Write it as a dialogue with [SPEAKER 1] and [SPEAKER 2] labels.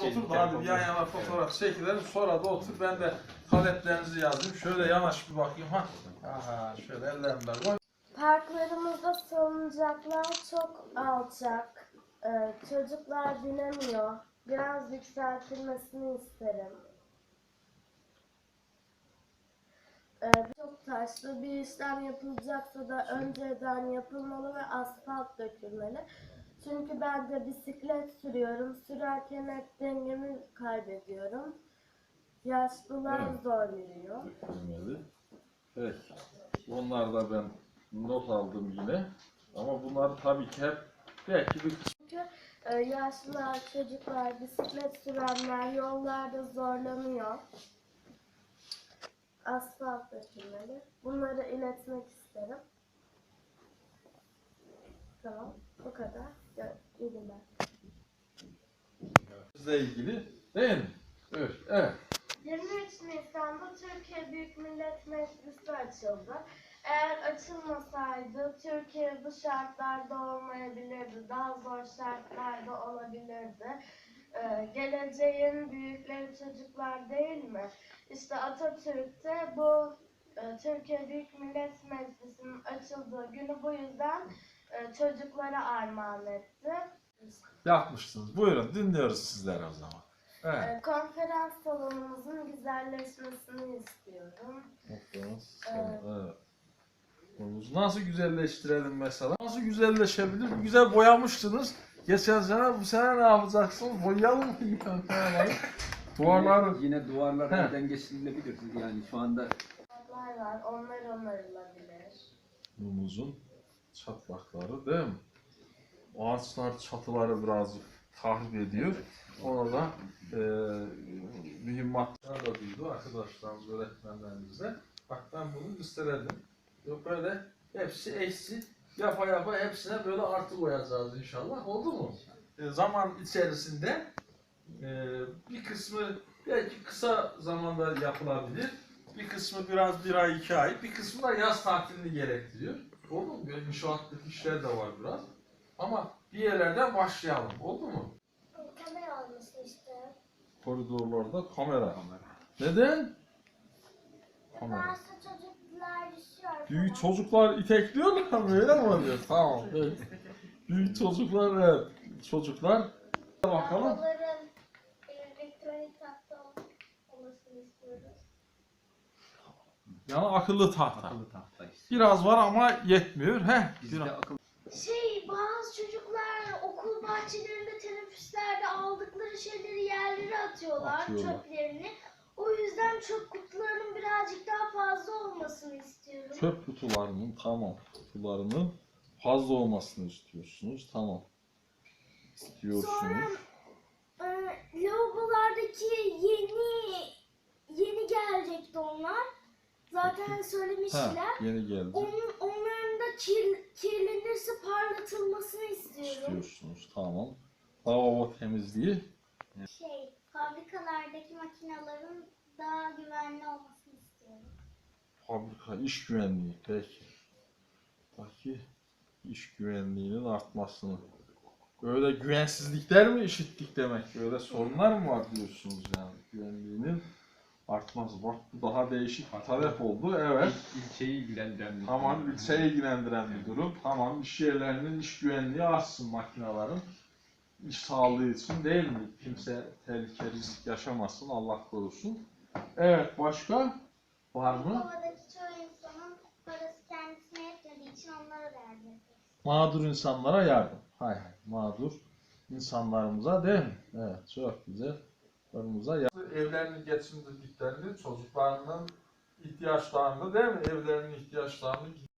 [SPEAKER 1] Otur da hadi bir yan yana fotoğraf çekilelim. Sonra da otur ben de taleplerinizi yazayım. Şöyle yanaş bir bakayım. Ha. Aha şöyle ellerimden koy.
[SPEAKER 2] Parklarımızda salıncaklar çok alçak. Çocuklar binemiyor. Biraz yükseltilmesini isterim. Çok taşlı bir işlem yapılacaksa da önceden yapılmalı ve asfalt dökülmeli. Çünkü ben de bisiklet sürüyorum. Sürerken hep dengemi kaybediyorum. Yaşlılar zor yürüyor.
[SPEAKER 1] Dökülmeli. Peki. Bunlar da ben not aldım yine. Ama bunlar tabii ki hep belki bir
[SPEAKER 2] Çünkü yaşlılar, çocuklar, bisiklet sürenler yollarda zorlanıyor. Asfalt dökülmeli. Bunları iletmek isterim. Tamam, bu kadar. İyi günler.
[SPEAKER 1] kısımla ilgili değil mi? Evet. Evet.
[SPEAKER 2] 23 Nisan'da Türkiye Büyük Millet Meclisi açıldı. Eğer açılmasaydı Türkiye bu şartlarda olmayabilirdi. Daha zor şartlarda olabilirdi. Geleceğin büyükleri çocuklar değil mi? İşte Atatürk de bu Türkiye Büyük Millet Meclisi'nin açıldığı günü bu yüzden çocuklara armağan etti.
[SPEAKER 1] Yapmışsınız. Buyurun dinliyoruz sizleri o zaman. Evet.
[SPEAKER 2] Konferans salonumuzun güzelleşmesini istiyorum.
[SPEAKER 1] Evet. Nasıl güzelleştirelim mesela? Nasıl güzelleşebilir? Güzel boyamıştınız. Geçen sene, bu sene ne yapacaksınız? Boyayalım mı? Duvarları.
[SPEAKER 3] Yine duvarlar elden geçirilebilir. Yani şu anda
[SPEAKER 2] Çatlaklar var, onlar onarılabilir.
[SPEAKER 1] Mumuzun çatlakları değil mi? Ağaçlar çatıları biraz tahrip ediyor. Ona da mühimmatlar da duydu arkadaşlarımız, öğretmenlerimize. Bak ben bunu gösterelim. Yok böyle hepsi eksi yapa hepsine böyle artı koyacağız inşallah. Oldu mu? Zaman içerisinde bir kısmı belki kısa zamanda yapılabilir. Bir kısmı biraz bir ay, 2 ay. Bir kısmı da yaz tatilini gerektiriyor. Oldu mu? Böyle inşaatlık işler de var biraz. Ama bir yerlerden başlayalım. Oldu mu?
[SPEAKER 2] Kamera olması işte.
[SPEAKER 1] Koridorlarda kamera. Neden? Kamera.
[SPEAKER 2] Bazı çocuklar düşüyor.
[SPEAKER 1] Büyük çocuklar itekliyorlar mı? Öyle mi oluyor? Tamam. Evet. Büyük çocuklar, evet. Çocuklar. Bakalım.
[SPEAKER 2] Onların elektronik tahta olmasını istiyoruz.
[SPEAKER 1] Yani akıllı tahta.
[SPEAKER 3] akıllı tahta işte.
[SPEAKER 1] Biraz var ama yetmiyor.
[SPEAKER 3] Bizde
[SPEAKER 1] Biraz.
[SPEAKER 3] akıllı
[SPEAKER 2] Bazı çocuklar okul bahçelerinde, teneffüslerde aldıkları şeyleri yerlere atıyorlar, çöplerini. O yüzden çöp kutularının birazcık daha fazla olmasını istiyorum.
[SPEAKER 1] Çöp kutularının kutularının fazla olmasını istiyorsunuz. Tamam. İstiyorsunuz.
[SPEAKER 2] Sonra lavabolardaki yeni gelecekti onlar. Zaten söylemişler.
[SPEAKER 1] Yeni geldi.
[SPEAKER 2] Onların da kirlenirse parlatılmasını istiyorum.
[SPEAKER 1] İstiyorsunuz. Tamam. Lavabo temizliği.
[SPEAKER 2] Fabrikalardaki makinelerin daha güvenli olmasını istiyorum.
[SPEAKER 1] Fabrika iş güvenliği. Peki iş güvenliğinin artmasını. Böyle güvensizlikler mi işittik demek? Böyle sorunlar mı var diyorsunuz yani güvenliğinin artması. Bak bu daha değişik bir talep oldu. Evet.
[SPEAKER 3] ilçeyi ilgilendiren bir
[SPEAKER 1] Tamam, ilçeyi ilgilendiren bir durum. Tamam, iş yerlerinin iş güvenliği artsın makinelerin. İş sağlığı için değil mi? Kimse tehlike, risk yaşamasın, Allah korusun. Evet, başka var mı?
[SPEAKER 2] Havadaki çoğu insanın parası kendisine yetmediği için onlara yardım etmek.
[SPEAKER 1] Mağdur insanlara yardım. Hay hay, mağdur insanlarımıza değil mi? Evet, çok güzel. Onumuza yardım. Evlerini geçindirdiklerini, çocuklarının ihtiyaçlarını değil mi? Evlerinin ihtiyaçlarını